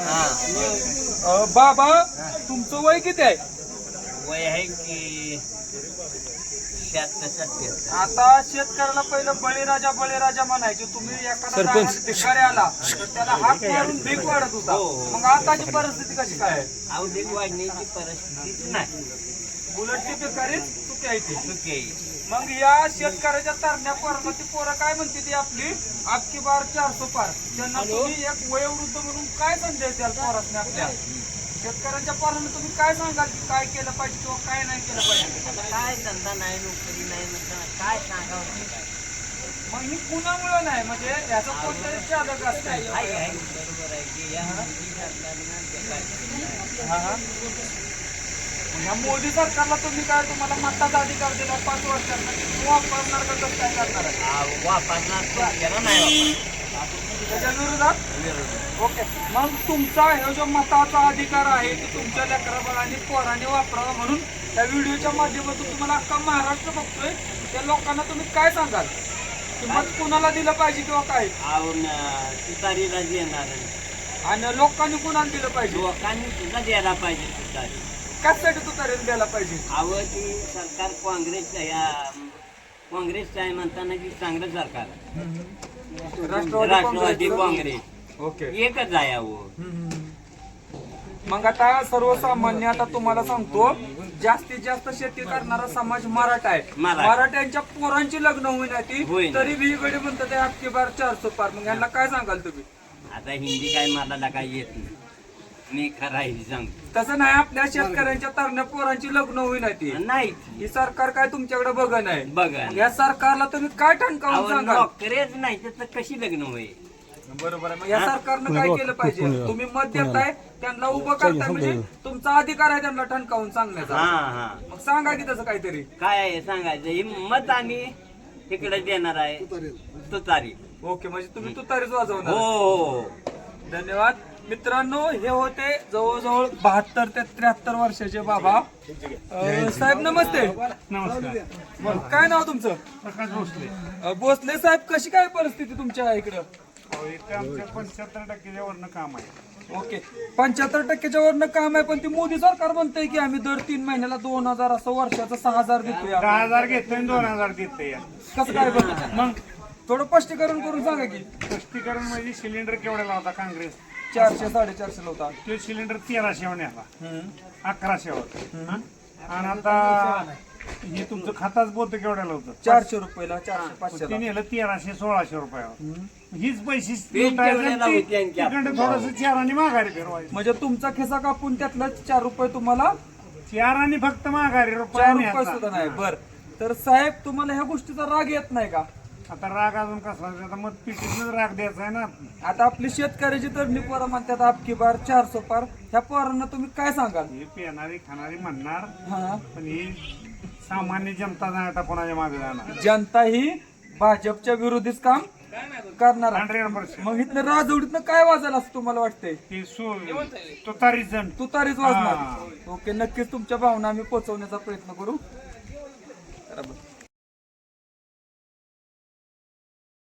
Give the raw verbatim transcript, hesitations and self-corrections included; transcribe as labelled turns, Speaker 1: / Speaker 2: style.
Speaker 1: अ, बाबा तुमचं वय किती आहे?
Speaker 2: वय आहे की शहात्तर सत्तर.
Speaker 1: आता शेतकऱ्याला पहिलं बळीराजा बळीराजा म्हणायचे. तुम्ही एखादा गावात भिकारी आला तर त्याला हात मारून भीक वाढत होता. मग आताची परिस्थिती कशी काय आहे?
Speaker 2: औद्योगिक वाढण्याची परिस्थितीच नाही.
Speaker 1: उलटची भिकारीच चुकी आहे ती.
Speaker 2: चुकी आहे.
Speaker 1: मग या शेतकऱ्याच्या तरण्या पोराला ती पोरं काय म्हणते ती आपली अख्खी बार चारसो पार. त्यांना तुम्ही एक वयोवृद्ध म्हणून काय संदेश द्याल पोरासने आपल्या? शेतकऱ्यांच्या पोरांना तुम्ही काय सांगाल की काय केलं पाहिजे किंवा काय नाही केलं पाहिजे?
Speaker 2: आता काय धंदा नाही, नोकरी नाही म्हणताना काय सांगावं?
Speaker 1: मग ही कुणामुळं नाही म्हणजे याचं कोणतरी चालक असतं.
Speaker 2: आहे आहे बरोबर आहे की या मोदी सरकारनं जे काय
Speaker 1: हा हा. ह्या मोदी सरकारला तुम्ही काय तुम्हाला मताचा अधिकार दिला पाच वर्षांना वापरणार का कसं काय करणार आहे?
Speaker 2: आ, वापरणार तो त्याला नाही
Speaker 1: त्याच्या विरोधात
Speaker 2: वापरणार.
Speaker 1: ओके. मग तुमचा हे जो मताचा अधिकार आहे की तुमच्या लेकराबाळांनी पोरांनी वापरावा म्हणून त्या व्हिडिओच्या माध्यमातून तुम्हाला अख्खा महाराष्ट्र बघतोय. त्या लोकांना तुम्ही काय सांगाल की मत कुणाला दिलं पाहिजे किंवा काय?
Speaker 2: आवून तुतारीला देणार
Speaker 1: आणि लोकांनी कुणाला दिलं पाहिजे?
Speaker 2: लोकांनी सुद्धा द्यायला पाहिजे तुतारी.
Speaker 1: कशासाठी तुतारीला द्यायला पाहिजे?
Speaker 2: आवं ती सरकार काँग्रेस या काँग्रेसचं आहे म्हणताना की चांगलं सरकार
Speaker 1: राष्ट्रवादी
Speaker 2: राष्ट्रवादी
Speaker 1: काँग्रेस.
Speaker 2: काँग्रेस
Speaker 1: ओके.
Speaker 2: एकच आहे अहो.
Speaker 1: मग आता सर्वसामान्य आता तुम्हाला सांगतो जास्तीत जास्त शेती करणारा समाज मराठा आहे.
Speaker 2: मराठा.
Speaker 1: मराठ्यांच्या पोरांची लग्न होईना ती
Speaker 2: होईना.
Speaker 1: तरी वेगळे म्हणतात ते अख्खी बार चारसो पार. मग यांना काय सांगाल तुम्ही?
Speaker 2: आता हिंदी काय मला काय येत नाही. मी खरा हिंदी सांगतो.
Speaker 1: तसं नाही, आपल्या शेतकऱ्यांच्या तरण्या पोरांची लग्न होईना ती.
Speaker 2: नाही
Speaker 1: ही सरकार काय तुमच्याकडे बघ नाही.
Speaker 2: बघा
Speaker 1: या सरकारला तुम्ही काय ठणकावून सांगाल?
Speaker 2: नोकरीच नाही तर कशी लग्न होईल?
Speaker 1: बरोबर आहे. मग या सरकारनं काय केलं पाहिजे? तुम्ही मत देताय त्यांना उभं करताय म्हणजे तुमचा अधिकार आहे त्यांना ठणकावून
Speaker 2: हा
Speaker 1: सांगण्याचा.
Speaker 2: हा
Speaker 1: मग सांगा की तसं काहीतरी.
Speaker 2: काय आहे सांगायचं? ही मत आम्ही तिकडे देणार आहे तुतारी.
Speaker 1: ओके, म्हणजे तुम्ही तुतारीच वाजवणार.
Speaker 2: हो.
Speaker 1: धन्यवाद मित्रांनो. हे होते जवळजवळ बहात्तर ते त्र्याहत्तर वर्षाचे बाबा. अं, साहेब नमस्ते.
Speaker 3: नमस्कार.
Speaker 1: काय नाव तुमचं?
Speaker 3: प्रकाश भोसले.
Speaker 1: अं, भोसले साहेब, कशी काय परिस्थिती तुमच्या इकडं?
Speaker 3: अहो, इथे आमच्या पंच्याहत्तर टक्क्याच्या वरनं काम आहे.
Speaker 1: ओके, पंच्याहत्तर टक्क्याच्या वरनं काम आहे. पण ती मोदी सरकार म्हणतंय की आम्ही दर तीन महिन्याला दोन हजार असं वर्षाचं सहा हजार देतोय.
Speaker 3: दहा हजार घेतोय आणि दोन हजार देतोय या.
Speaker 1: कसं काय बरं? मग थोडं स्पष्टीकरण करून सांगा की.
Speaker 3: स्पष्टीकरण म्हणजे सिलेंडर केवढ्याला होता काँग्रेस?
Speaker 1: चारशे साडेचारशे होता.
Speaker 3: तो सिलेंडर तेराशे आला,
Speaker 1: हम्म.
Speaker 3: अकराशे होता. आणि आता हे तुमचं खाताच बोलतं केवढ्याला होतं?
Speaker 1: चारशे रुपयाला चारशे पाचशे
Speaker 3: ते नेलं तेराशे सोळाशे रुपयावर. हीच पैसे
Speaker 2: तेवढ्याला होती आणखी
Speaker 3: थोडस चाराने माघारी फिरवायचं.
Speaker 1: म्हणजे तुमचा खिसा कापून त्यातलं चार रुपये तुम्हाला
Speaker 3: चाराने फक्त माघारी
Speaker 1: चार
Speaker 3: रुपये
Speaker 1: रुपये सुद्धा नाही. बर, तर साहेब तुम्हाला ह्या गोष्टीचा राग येत नाही का?
Speaker 3: आता राग अजून कसला? आता मग पिटीतच राग द्यायचा आहे ना.
Speaker 1: आता आपली शेतकऱ्याची तरणी पोरं म्हणतात आपकी बार चारसो पार. ह्या पोरांना तुम्ही काय सांगाल?
Speaker 3: हे पेणारी खाणारी म्हणणार,
Speaker 1: हा,
Speaker 3: पण ही सामान्य जनता नाही आता कोणाच्या मागे जाणार.
Speaker 1: जनता ही भाजपच्या विरोधीच काम करणार आहे.
Speaker 3: हंड्रेड पर्सेंट
Speaker 1: मग इथनं राजवडीतनं काय वाजायला असं तुम्हाला वाटतंय?
Speaker 3: ते सो तुतारी जण
Speaker 1: तुतारीच वाजणार. ओके, नक्कीच तुमच्या भावना आम्ही पोहोचवण्याचा प्रयत्न करू. बरोबर.